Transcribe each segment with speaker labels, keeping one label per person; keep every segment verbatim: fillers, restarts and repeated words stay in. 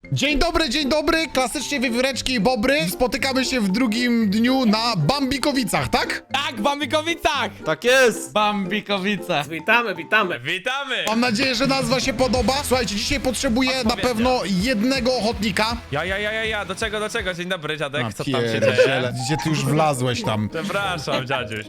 Speaker 1: Dzień dobry, dzień dobry, klasycznie wiewióreczki i bobry. Spotykamy się w drugim dniu na Bambikowicach, tak?
Speaker 2: Tak, w Bambikowicach!
Speaker 3: Tak jest!
Speaker 2: Bambikowice.
Speaker 4: Witamy, witamy.
Speaker 5: Witamy!
Speaker 1: Mam nadzieję, że nazwa się podoba. Słuchajcie, dzisiaj potrzebuję na pewno jednego ochotnika.
Speaker 5: Ja, ja, ja, ja, ja, do czego, do czego? Dzień dobry, dziadek, co tam się
Speaker 1: Pierdziele,
Speaker 5: dzieje?
Speaker 1: gdzie ty już wlazłeś tam?
Speaker 5: Przepraszam, dziadziuś.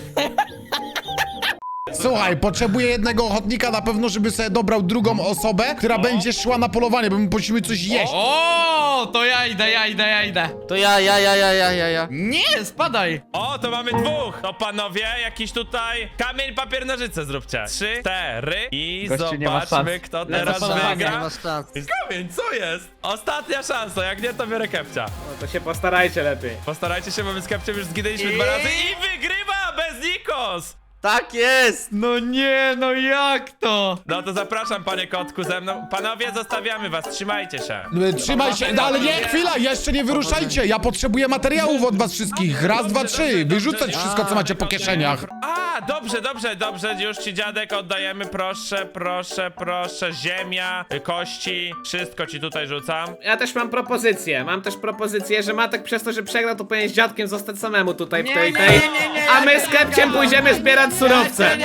Speaker 1: Słuchaj, potrzebuję jednego ochotnika na pewno, żeby sobie dobrał drugą osobę, która będzie szła na polowanie, bo my musimy coś jeść.
Speaker 2: O, to ja idę, ja idę, ja idę.
Speaker 3: To ja, ja, ja, ja, ja, ja, ja.
Speaker 2: Nie, spadaj.
Speaker 5: O, to mamy dwóch! To panowie, jakiś tutaj kamień, papier, nożyce zróbcie. Trzy, cztery i
Speaker 2: Gościu, nie ma
Speaker 5: zobaczmy,
Speaker 2: szans.
Speaker 5: kto
Speaker 2: Lecę
Speaker 5: teraz
Speaker 2: polowanie.
Speaker 3: Nie
Speaker 5: wygra.
Speaker 3: masz szans.
Speaker 5: Kamień, co jest? Ostatnia szansa, jak nie, to biorę kepcia.
Speaker 4: No to się postarajcie lepiej.
Speaker 5: Postarajcie się, bo my z kepciem już zginęliśmy dwa razy i wygrywa bez Nikos!
Speaker 3: Tak jest!
Speaker 2: No nie, no jak to?
Speaker 5: No to zapraszam, panie kotku, ze mną. Panowie, zostawiamy was, trzymajcie się.
Speaker 1: Trzymaj się, no ale nie, chwila, jeszcze nie wyruszajcie. Ja potrzebuję materiałów od was wszystkich. Raz, dwa, trzy, wyrzucać wszystko, co macie po kieszeniach.
Speaker 5: A, dobrze, dobrze, dobrze, już ci dziadek oddajemy, proszę, proszę, proszę, ziemia, kości, wszystko ci tutaj rzucam.
Speaker 4: Ja też mam propozycję. Mam też propozycję, że Matek przez to, że przegrał, to powinien z dziadkiem zostać samemu tutaj w tej tej. A my z Kepciem pójdziemy zbierać surowce.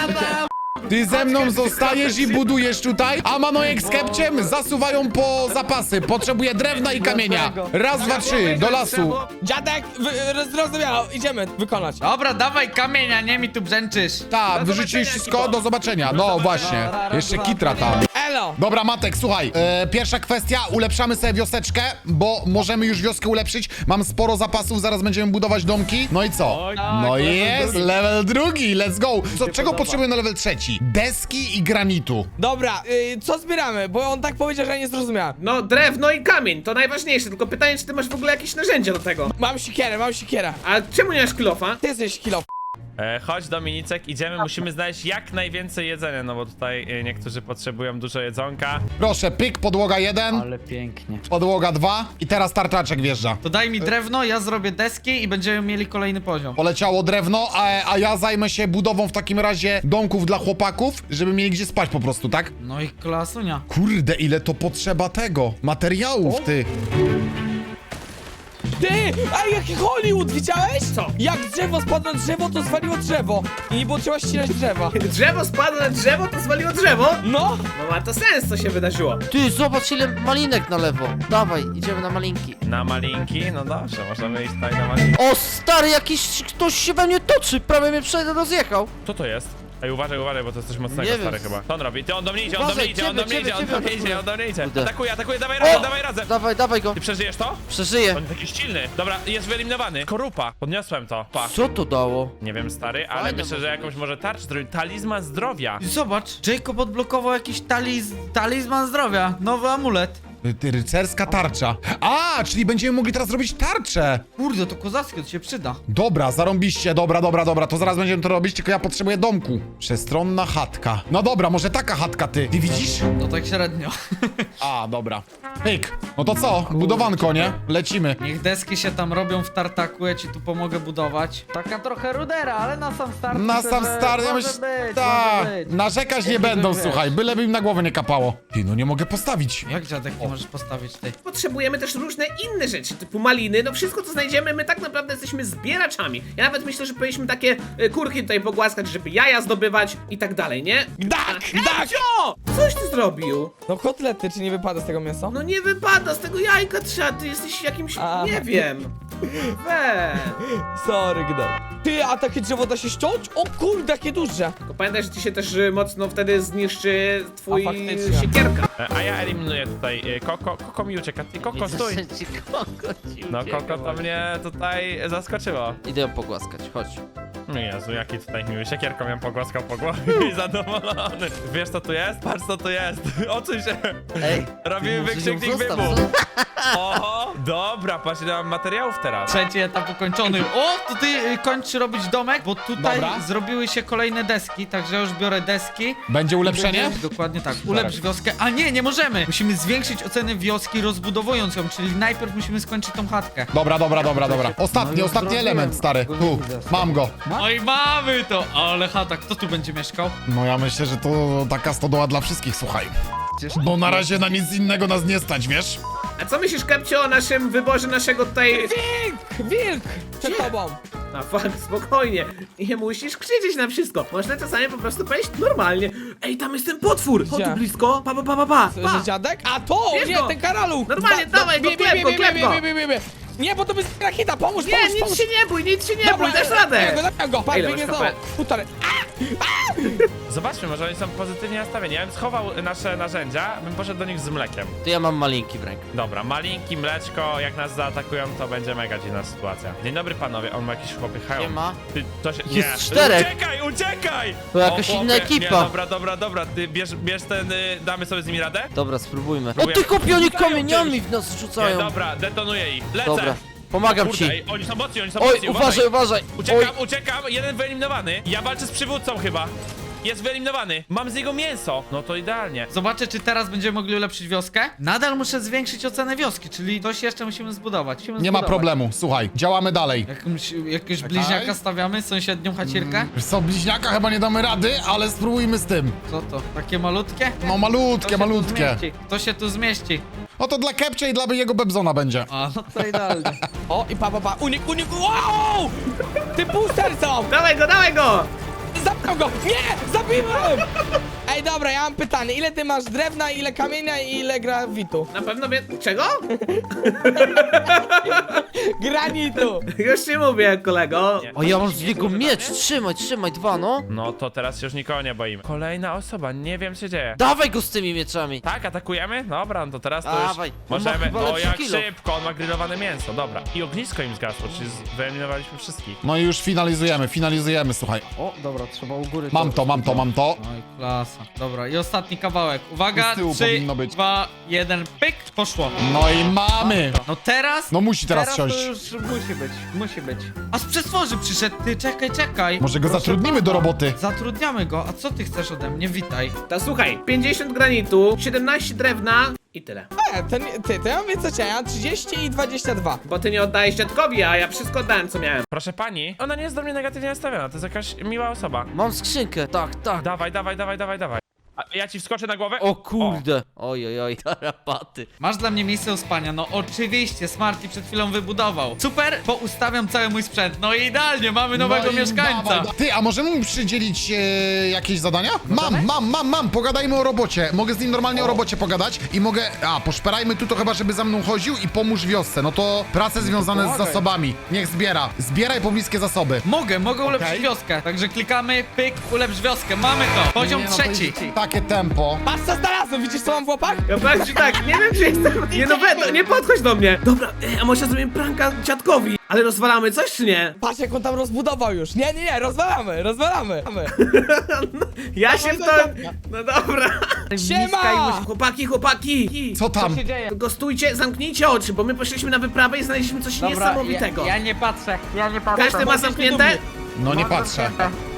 Speaker 1: Ty ze mną zostajesz i budujesz tutaj, a Manojek z Kepciem zasuwają po zapasy. Potrzebuję drewna i kamienia. Raz, dwa, trzy, do lasu.
Speaker 2: Dziadek, wy- zrozumiało, idziemy wykonać. Dobra, dawaj kamienia, nie mi tu brzęczysz.
Speaker 1: Tak, wyrzuciłeś wszystko, do zobaczenia. No właśnie, jeszcze kitra tam.
Speaker 2: Elo.
Speaker 1: Dobra, Matek, słuchaj, e, pierwsza kwestia, ulepszamy sobie wioseczkę, bo możemy już wioskę ulepszyć. Mam sporo zapasów, zaraz będziemy budować domki. No i co? No i jest, level drugi, let's go. Co, czego potrzebujemy na level trzeci? Deski i granitu.
Speaker 2: Dobra, y, co zbieramy? Bo on tak powiedział, że ja nie zrozumiałem.
Speaker 4: No drewno i kamień, to najważniejsze. Tylko pytanie, czy ty masz w ogóle jakieś narzędzia do tego?
Speaker 2: Mam sikierę, mam sikierę.
Speaker 4: A czemu nie masz kilofa?
Speaker 2: Ty jesteś kilo.
Speaker 5: E, chodź Dominicek, idziemy, musimy znaleźć jak najwięcej jedzenia, no bo tutaj e, niektórzy potrzebują dużo jedzonka.
Speaker 1: Proszę, pyk, podłoga jeden,
Speaker 6: Ale pięknie.
Speaker 1: podłoga dwa i teraz tarczaczek wjeżdża.
Speaker 6: To daj mi drewno, ja zrobię deski i będziemy mieli kolejny poziom.
Speaker 1: Poleciało drewno, a, a ja zajmę się budową w takim razie domków dla chłopaków, żeby mieli gdzie spać po prostu, tak?
Speaker 6: No i klasunia.
Speaker 1: Kurde, ile to potrzeba tego, materiałów, ty.
Speaker 2: Ty! Ej, jaki Hollywood, widziałeś?
Speaker 4: Co?
Speaker 2: Jak drzewo spadło na drzewo, to zwaliło drzewo. I nie było trzeba ścinać drzewa.
Speaker 4: Drzewo spadło na drzewo, to zwaliło drzewo?
Speaker 2: No!
Speaker 4: No ma to sens, co się wydarzyło.
Speaker 3: Ty, zobacz ile malinek na lewo. Dawaj, idziemy na malinki.
Speaker 5: Na malinki? No dobrze, możemy iść tutaj na malinki.
Speaker 3: O, stary, jakiś ktoś się we mnie toczy, prawie mnie przejdę rozjechał.
Speaker 5: Co to jest? Ej, uważaj, uważaj, bo to jest coś mocnego,
Speaker 3: Nie wiem.
Speaker 5: stary, chyba. Co on robi? Ty, on do mnie idzie, on do mnie
Speaker 3: Uważaj,
Speaker 5: idzie, on do mnie
Speaker 3: ciebie,
Speaker 5: idzie, on
Speaker 3: ciebie,
Speaker 5: do mnie
Speaker 3: ciebie
Speaker 5: idzie, on do mnie idzie.
Speaker 3: Kurde.
Speaker 5: Atakuje, atakuje, dawaj razem,
Speaker 3: O!
Speaker 5: dawaj razem.
Speaker 3: Dawaj, dawaj go.
Speaker 5: Ty przeżyjesz to?
Speaker 3: Przeżyję.
Speaker 5: On jest jakiś silny. Dobra, jest wyeliminowany. Korupa. Podniosłem to. Pa.
Speaker 3: Co to dało?
Speaker 5: Nie wiem, stary, ale
Speaker 3: Fajne
Speaker 5: myślę, że
Speaker 3: może
Speaker 5: jakąś może tarczę zrobić. Talizman zdrowia.
Speaker 6: Zobacz, Jacob odblokował jakiś taliz... talizman zdrowia. Nowy amulet.
Speaker 1: Ty, rycerska tarcza. A, czyli będziemy mogli teraz robić tarczę.
Speaker 6: Kurde, to kozackie, to się przyda.
Speaker 1: Dobra, zarąbiście, dobra, dobra, dobra, to zaraz będziemy to robić, tylko ja potrzebuję domku. Przestronna chatka. No dobra, może taka chatka, ty. Ty widzisz?
Speaker 6: No tak średnio.
Speaker 1: A, dobra. Pyk. No to co? Budowanko, nie? Lecimy.
Speaker 6: Niech deski się tam robią w tartaku, ja ci tu pomogę budować. Taka trochę rudera, ale na sam start.
Speaker 1: Na
Speaker 6: myślę,
Speaker 1: sam
Speaker 6: że
Speaker 1: start, ja
Speaker 6: może
Speaker 1: myślę,
Speaker 6: być,
Speaker 1: tak,
Speaker 6: może być.
Speaker 1: narzekać nie
Speaker 6: Jakiego
Speaker 1: będą,
Speaker 6: wiesz.
Speaker 1: słuchaj, byleby im na głowę nie kapało. Ty, no nie mogę postawić.
Speaker 6: Jak dziadek nie możesz postawić tej?
Speaker 4: Potrzebujemy też różne inne rzeczy, typu maliny, no wszystko co znajdziemy, my tak naprawdę jesteśmy zbieraczami. Ja nawet myślę, że powinniśmy takie y, kurki tutaj pogłaskać, żeby jaja zdobywać i tak dalej, nie?
Speaker 2: Dak, dak!
Speaker 4: Cio! Coś ty zrobił?
Speaker 2: No kotlety, czy nie wypada z tego mięsa?
Speaker 4: No nie wypada, z tego jajka trzeba, ty jesteś jakimś,
Speaker 2: A.
Speaker 4: nie wiem. We.
Speaker 2: Sorry, gnał. Ty, a takie drzewo da się ściąć? O kurde, jakie duże!
Speaker 4: Tylko pamiętaj, że ci się też y, mocno wtedy zniszczy twój
Speaker 2: A, faktycznie.
Speaker 4: siekierka.
Speaker 5: E, A ja eliminuję tutaj e, Koko. Koko mi ucieka. Ty, Koko,
Speaker 3: Widzę,
Speaker 5: stój.
Speaker 3: że ci Koko ci
Speaker 5: No,
Speaker 3: ucieka
Speaker 5: Koko to
Speaker 3: właśnie.
Speaker 5: mnie tutaj zaskoczyło.
Speaker 3: Idę ją pogłaskać, chodź.
Speaker 5: No Jezu, jaki tutaj miły. Siekierką ją pogłaskał po głowie i zadowolony. Wiesz co tu jest? Patrz co tu jest. Ocuj się.
Speaker 3: Ej,
Speaker 5: Robimy
Speaker 3: może ją
Speaker 5: wykrzyknik
Speaker 3: zostaw,
Speaker 5: wybuch.
Speaker 3: co?
Speaker 5: Oho, dobra, patrz ile mam materiałów teraz.
Speaker 6: Trzeci etap ukończony. O, to ty y, kończ robić domek, bo tutaj
Speaker 1: Dobra.
Speaker 6: zrobiły się kolejne deski, także ja już biorę deski.
Speaker 1: Będzie ulepszenie?
Speaker 6: Dokładnie tak. Ulepsz wioskę. A nie, nie możemy! Musimy zwiększyć ocenę wioski rozbudowując ją, czyli najpierw musimy skończyć tą chatkę.
Speaker 1: Dobra, dobra, dobra, dobra. Ostatni,
Speaker 6: No już
Speaker 1: ostatni
Speaker 6: zrobiłem.
Speaker 1: element, stary.
Speaker 6: Go
Speaker 1: Tu,
Speaker 6: widzę.
Speaker 1: mam go.
Speaker 6: No i mamy to. Ale chata, kto tu będzie mieszkał?
Speaker 1: No ja myślę, że to taka stodoła dla wszystkich, słuchaj. Bo na razie na nic innego nas nie stać, wiesz?
Speaker 4: A co myślisz, Kepcio, o naszym wyborze naszego tutaj...
Speaker 3: Wilk! Wilk! Przed tobą!
Speaker 4: A fuck, spokojnie. Nie musisz krzyczeć na wszystko. Można czasami po prostu powiedzieć normalnie. Ej, tam jest ten potwór! Chodź
Speaker 3: Gdzie?
Speaker 4: tu blisko. Pa, pa, pa, pa, pa.
Speaker 3: Że
Speaker 4: pa.
Speaker 3: dziadek? A to!
Speaker 4: Bierz
Speaker 3: Nie,
Speaker 4: go.
Speaker 3: ten karaluch!
Speaker 4: Normalnie, dawaj go,
Speaker 3: bie-
Speaker 4: klep
Speaker 3: bie-
Speaker 4: go,
Speaker 3: bie-
Speaker 4: klep
Speaker 3: bie-
Speaker 4: go.
Speaker 3: bie- bie- bie- bie. Nie, bo to jest raketa, pomóż,
Speaker 4: Nie,
Speaker 3: pomóż,
Speaker 4: nic
Speaker 3: pomóż!
Speaker 4: się nie bój, nic się nie
Speaker 3: Dobra,
Speaker 4: bój, dasz
Speaker 3: zabijam
Speaker 4: radę.
Speaker 3: go, zabijam go, patrz,
Speaker 4: Ile
Speaker 3: biegnie
Speaker 4: masz
Speaker 3: znowu.
Speaker 4: H P?
Speaker 3: Półtorej.
Speaker 5: Zobaczmy, może oni są pozytywnie nastawieni. Ja bym schował nasze narzędzia, bym poszedł do nich z mlekiem.
Speaker 3: To ja mam malinki w ręku.
Speaker 5: Dobra, malinki, mleczko, jak nas zaatakują, to będzie mega dziwna sytuacja. Dzień dobry panowie, on ma jakieś chłopy hełm.
Speaker 3: Siema.
Speaker 5: Ty, to się...
Speaker 3: Jest
Speaker 5: nie.
Speaker 3: czterech.
Speaker 5: Uciekaj, uciekaj!
Speaker 3: To jakaś
Speaker 5: O, chłopie,
Speaker 3: inna ekipa.
Speaker 5: Nie, dobra, dobra, dobra, ty bierz, bierz ten, y, damy sobie z nimi radę?
Speaker 3: Dobra, spróbujmy. O
Speaker 5: Próbuję.
Speaker 3: ty kopioni
Speaker 5: Rzucają
Speaker 3: kamieniami
Speaker 5: czymś.
Speaker 3: w nas
Speaker 5: Nie,
Speaker 3: rzucają.
Speaker 5: dobra, detonuję ich. Lecę!
Speaker 3: Dobra, pomagam
Speaker 5: Kurde,
Speaker 3: ci.
Speaker 5: ej, oni są mocni, oni są
Speaker 3: Oj,
Speaker 5: mocni,
Speaker 3: uważaj, uważaj. Oj,
Speaker 5: Uciekam, uciekam, jeden wyeliminowany. Ja walczę z przywódcą chyba. Jest wyeliminowany. Mam z niego mięso. No to idealnie.
Speaker 6: Zobaczę, czy teraz będziemy mogli ulepszyć wioskę. Nadal muszę zwiększyć ocenę wioski, czyli coś jeszcze musimy zbudować. Musimy
Speaker 1: Nie ma
Speaker 6: zbudować.
Speaker 1: problemu, słuchaj, działamy dalej.
Speaker 6: Jakąś, jakiegoś bliźniaka stawiamy, sąsiednią chacierkę?
Speaker 1: Wiesz co, bliźniaka chyba nie damy rady, ale spróbujmy z tym.
Speaker 6: Co to? Takie malutkie?
Speaker 1: No
Speaker 6: To
Speaker 1: malutkie,
Speaker 6: się tu
Speaker 1: malutkie.
Speaker 6: zmieści. To się tu zmieści.
Speaker 1: No to dla Kepcia i dla jego Bebzona będzie.
Speaker 6: A, no to idealnie.
Speaker 3: O, i pa, pa, pa, unik, unik, wow! Ty booster są!
Speaker 4: Dawaj go, dawaj go!
Speaker 3: Zabiłem go! Nie! Zabiłem! Ej, dobra, ja mam pytanie. Ile ty masz drewna, ile kamienia i ile grawitu?
Speaker 4: Na pewno wie... Czego?
Speaker 3: Granitu!
Speaker 4: Już ci mówię, kolego.
Speaker 6: Nie.
Speaker 3: O, ja mam z niego miecz. Trzymaj, trzymaj, dwa, no.
Speaker 5: No to teraz się już nikogo nie boimy. Kolejna osoba, nie wiem co się dzieje.
Speaker 3: Dawaj go z tymi mieczami.
Speaker 5: Tak, atakujemy? Dobra, no to teraz to
Speaker 3: Dawaj.
Speaker 5: już
Speaker 3: On ma
Speaker 5: możemy...
Speaker 3: chyba
Speaker 5: O,
Speaker 3: lepszy
Speaker 5: jak
Speaker 3: kilo.
Speaker 5: szybko, on ma grillowane mięso, dobra. I ognisko im zgasło, czyli z- wyeliminowaliśmy wszystkich.
Speaker 1: No i już finalizujemy, finalizujemy, słuchaj.
Speaker 6: O, dobra, trzeba u góry.
Speaker 1: Mam to, mam to, mam to.
Speaker 6: Oj, klasa. Dobra, i ostatni kawałek. Uwaga,
Speaker 1: Z tyłu
Speaker 6: trzy,
Speaker 1: powinno być.
Speaker 6: dwa, jeden, pyk, poszło.
Speaker 1: No i mamy.
Speaker 6: No teraz...
Speaker 1: No musi teraz
Speaker 6: teraz
Speaker 1: siąść.
Speaker 6: to już musi być, musi być. A z przestworzy przyszedł, ty, czekaj, czekaj.
Speaker 1: Może go
Speaker 6: Proszę
Speaker 1: zatrudnimy do
Speaker 6: pana.
Speaker 1: roboty.
Speaker 6: Zatrudniamy go, a co ty chcesz ode mnie? Witaj.
Speaker 4: To słuchaj, pięćdziesiąt granitu, siedemnaście drewna i tyle.
Speaker 3: E, to, nie- ty, to ja mam więcej, ja mam trzydzieści i dwadzieścia dwa.
Speaker 4: Bo ty nie oddajesz dziadkowi, a ja wszystko oddałem, co miałem.
Speaker 5: Proszę pani, ona nie jest do mnie negatywnie nastawiona, to jest jakaś miła osoba.
Speaker 3: Mam skrzynkę, tak, tak.
Speaker 5: Dawaj, dawaj, dawaj, dawaj, dawaj. A ja ci wskoczę na głowę?
Speaker 3: O kurde. Oj, oj, oj, tarapaty.
Speaker 6: Masz dla mnie miejsce do spania? No oczywiście, Smarty przed chwilą wybudował. Super, poustawiam cały mój sprzęt. No i idealnie, mamy nowego
Speaker 1: No i
Speaker 6: mieszkańca.
Speaker 1: dawaj, da- Ty, a możemy mu przydzielić e, jakieś zadania? Mam, mam, mam, mam, pogadajmy o robocie. Mogę z nim normalnie o, robocie pogadać i mogę... A, poszperajmy tu to chyba, żeby za mną chodził i pomóż wiosce. No to prace związane z zasobami. Niech zbiera. Zbieraj pobliskie zasoby.
Speaker 6: Mogę, mogę ulepszyć
Speaker 1: Okej.
Speaker 6: wioskę. Także klikamy, pyk, ulepsz wioskę. Mamy to. Poziom
Speaker 1: Nie, no to
Speaker 6: trzeci.
Speaker 1: jest takie tempo.
Speaker 3: Patrz co znalazłem, widzisz co mam w łapach?
Speaker 4: Ja powiem ci tak, nie wiem czy jestem... Nie no, we, no, nie podchodź do mnie. Dobra, ej, a może zrobimy pranka dziadkowi? Ale rozwalamy coś czy nie?
Speaker 3: Patrz jak on tam rozbudował już. Nie, nie, nie, rozwalamy, rozwalamy.
Speaker 4: Ja się w to... No dobra.
Speaker 3: Siema!
Speaker 4: Chłopaki, chłopaki!
Speaker 1: Co tam?
Speaker 6: dzieje?
Speaker 4: Tylko stójcie, zamknijcie oczy, bo my poszliśmy na wyprawę i znaleźliśmy coś niesamowitego.
Speaker 6: Ja, ja nie patrzę, ja nie patrzę.
Speaker 4: Każdy ma zamknięte?
Speaker 1: No nie patrzę.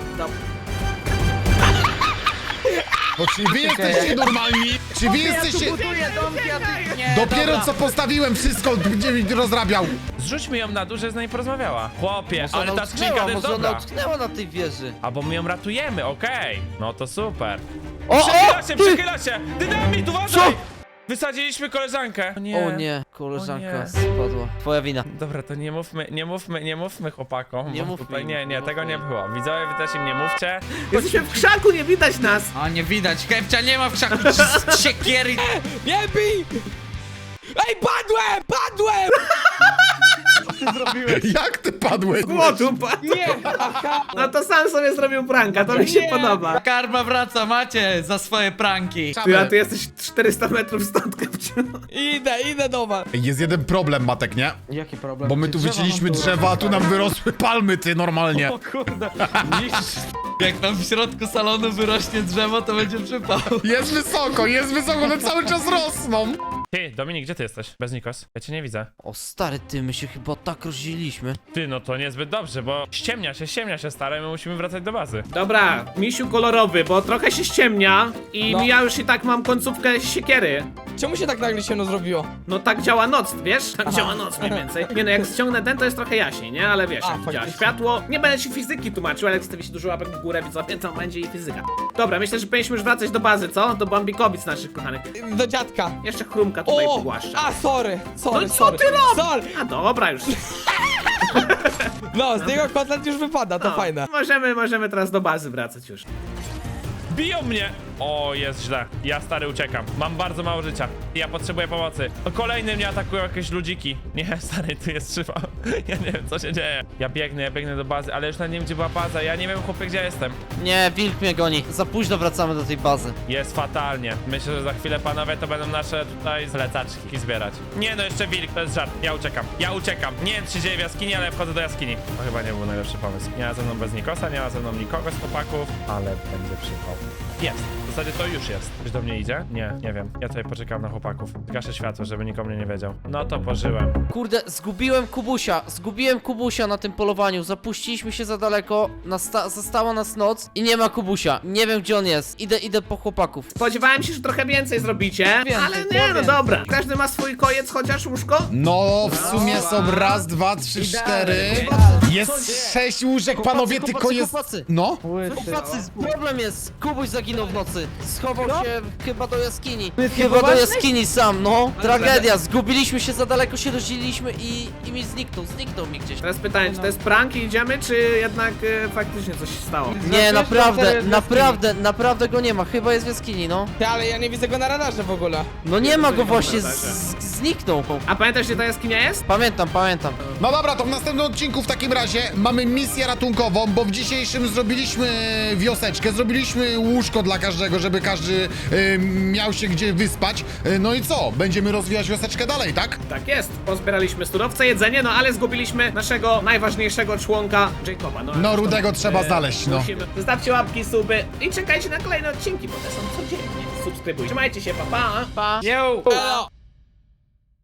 Speaker 1: Bo czy wy jesteście normalni? Czy wy jesteście...
Speaker 6: buduję domki, a ty nie.
Speaker 1: Dopiero co postawiłem wszystko, gdzie mi rozrabiał.
Speaker 5: Zrzućmy ją na dół, że z nami porozmawiała. Chłopie,
Speaker 3: Może
Speaker 5: ale
Speaker 3: ona
Speaker 5: ta skrzynka to
Speaker 3: utknęła,
Speaker 5: jest
Speaker 3: może ona
Speaker 5: dobra.
Speaker 3: utknęła na tej wieży.
Speaker 5: Albo my ją ratujemy, okej. No to super.
Speaker 3: O,
Speaker 5: Przechyla
Speaker 3: o,
Speaker 5: się,
Speaker 3: ty!
Speaker 5: przechyla się! Dynamit, uważaj! Wysadziliśmy koleżankę. O nie.
Speaker 3: O nie, koleżanka
Speaker 5: O nie.
Speaker 3: spadła. Twoja wina.
Speaker 5: Dobra, to nie mówmy, nie mówmy, nie mówmy chłopakom.
Speaker 3: Nie
Speaker 5: bo
Speaker 3: mówmy
Speaker 5: tutaj
Speaker 3: im,
Speaker 5: nie, nie,
Speaker 3: nie
Speaker 5: tego
Speaker 3: mówmy
Speaker 5: nie
Speaker 3: im.
Speaker 5: było. Widzowie, wy też im nie mówcie.
Speaker 4: Jesteśmy w krzaku, nie widać nas.
Speaker 6: A nie widać, Kepcia nie ma w krzaku z siekiery.
Speaker 3: Nie bij! Ej, padłem! Padłem!
Speaker 1: Jak ty padłeś?
Speaker 4: Głodu, pa-
Speaker 3: Nie! Aha!
Speaker 4: No to sam sobie zrobił pranka, to mi się
Speaker 3: Nie.
Speaker 4: podoba.
Speaker 6: Karma wraca, macie za swoje pranki.
Speaker 4: Ty, a ty jesteś czterysta metrów stąd, Kepciu.
Speaker 3: Idę, idę do was.
Speaker 1: Jest jeden problem, Matek, nie?
Speaker 6: Jaki problem?
Speaker 1: Bo my tu wycięliśmy drzewa, a tu nam wyrosły palmy, ty, normalnie.
Speaker 6: O kurde, niż... Jak nam w środku salonu wyrośnie drzewo, to będzie przypał.
Speaker 1: Jest wysoko, jest wysoko, one cały czas rosną.
Speaker 5: Ty, Dominik, gdzie ty jesteś? Bez Nikos? Ja cię nie widzę.
Speaker 7: O stary, ty, my się chyba tak rozdzieliliśmy.
Speaker 5: Ty, no to niezbyt dobrze, bo ściemnia się, ściemnia się, stary, my musimy wracać do bazy.
Speaker 4: Dobra, misiu kolorowy, bo trochę się ściemnia i
Speaker 3: No.
Speaker 4: ja już i tak mam końcówkę siekiery.
Speaker 3: Czemu się tak nagle ciemno zrobiło?
Speaker 4: No tak działa noc, wiesz? Tak działa noc mniej więcej. Nie no, jak ściągnę ten, to jest trochę jaśniej, nie? Ale wiesz,
Speaker 3: A,
Speaker 4: jak działa
Speaker 3: faktycznie.
Speaker 4: światło. Nie będę ci fizyki tłumaczył, ale jak stawicie dużo łapek w górę, widzowie, to będzie i fizyka. Dobra, myślę, że powinniśmy już wracać do bazy, co? Do Bambikowic naszych kochanych.
Speaker 3: Do dziadka.
Speaker 4: Jeszcze chrumka tutaj
Speaker 3: O!
Speaker 4: pogłaszcza.
Speaker 3: A, sorry, sorry,
Speaker 4: No co
Speaker 3: sorry.
Speaker 4: ty robisz?
Speaker 3: Sorry.
Speaker 4: A dobra już.
Speaker 3: No, z niego kotlet już wypada, to
Speaker 4: No,
Speaker 3: fajne.
Speaker 4: Możemy, możemy teraz do bazy wracać już.
Speaker 5: Biją mnie! O, jest źle. Ja, stary, uciekam. Mam bardzo mało życia. Ja potrzebuję pomocy. O, kolejny mnie atakują jakieś ludziki. Nie, stary, tu jest szyba. Ja nie wiem, co się dzieje. Ja biegnę, ja biegnę do bazy, ale już nawet nie wiem, gdzie była baza. Ja nie wiem, chłopie, gdzie ja jestem.
Speaker 7: Nie, wilk mnie goni. Za późno wracamy do tej bazy.
Speaker 5: Jest fatalnie. Myślę, że za chwilę, panowie, to będą nasze tutaj zlecaczki zbierać. Nie, no jeszcze wilk, to jest żart. Ja uciekam. Ja uciekam. Nie wiem, co się dzieje w jaskini, ale wchodzę do jaskini. To chyba nie był najlepszy pomysł. Nie ma ze mną bez Nikosa, nie ma ze mną nikogo z chłopaków, ale będzie przypał. Jest. W zasadzie to już jest. Ktoś do mnie idzie? Nie, nie wiem. Ja tutaj poczekam na chłopaków. Zgaszę światło, żeby nikomu nie wiedział. No to pożyłem.
Speaker 7: Kurde, zgubiłem Kubusia. Zgubiłem Kubusia na tym polowaniu. Zapuściliśmy się za daleko. Nasta została nas noc i nie ma Kubusia. Nie wiem, gdzie on jest. Idę, idę po chłopaków.
Speaker 4: Spodziewałem się, że trochę więcej zrobicie,
Speaker 7: Więcej,
Speaker 4: ale nie, no
Speaker 7: więcej.
Speaker 4: dobra. Każdy ma swój kojec, chociaż łóżko?
Speaker 1: No, w sumie są raz, dwa, trzy, cztery. Jest sześć łóżek, panowie,
Speaker 7: Chłopacy,
Speaker 1: tylko jest...
Speaker 7: chłopacy.
Speaker 1: No?
Speaker 7: Chłopacy, problem jest. Kubuś zaginął w nocy. Schował się chyba do jaskini. Chyba do jaskini sam, no. Tragedia. Zgubiliśmy się za daleko, się rozdzieliliśmy i, i mi zniknął. Zniknął mi gdzieś.
Speaker 4: Teraz pytanie, czy to jest prank i idziemy, czy jednak e, faktycznie coś się stało?
Speaker 7: Nie, naprawdę, naprawdę, naprawdę go nie ma. Chyba jest w jaskini, no.
Speaker 3: Ty, ale ja nie widzę go na radarze w ogóle.
Speaker 7: No nie ma go właśnie,
Speaker 4: na
Speaker 7: z,
Speaker 4: radarze.
Speaker 7: z, zniknął.
Speaker 4: A pamiętasz, gdzie ta jaskinia jest?
Speaker 7: Pamiętam, pamiętam.
Speaker 1: No dobra, to w następnym odcinku w takim razie mamy misję ratunkową, bo w dzisiejszym zrobiliśmy wioseczkę, zrobiliśmy łóżko dla każdego, żeby każdy y, miał się gdzie wyspać. Y, no i co? Będziemy rozwijać wioseczkę dalej, tak?
Speaker 4: Tak jest, pozbieraliśmy surowce, jedzenie, no ale zgubiliśmy naszego najważniejszego członka, Jacoba. No,
Speaker 1: No,
Speaker 4: ale
Speaker 1: Rudego
Speaker 4: to,
Speaker 1: trzeba znaleźć, no.
Speaker 4: Musimy. Zostawcie łapki, suby i czekajcie na kolejne odcinki, bo te są codziennie. Subskrybujcie. Trzymajcie się, pa pa!
Speaker 7: Pa.
Speaker 2: Yo!
Speaker 3: Elo.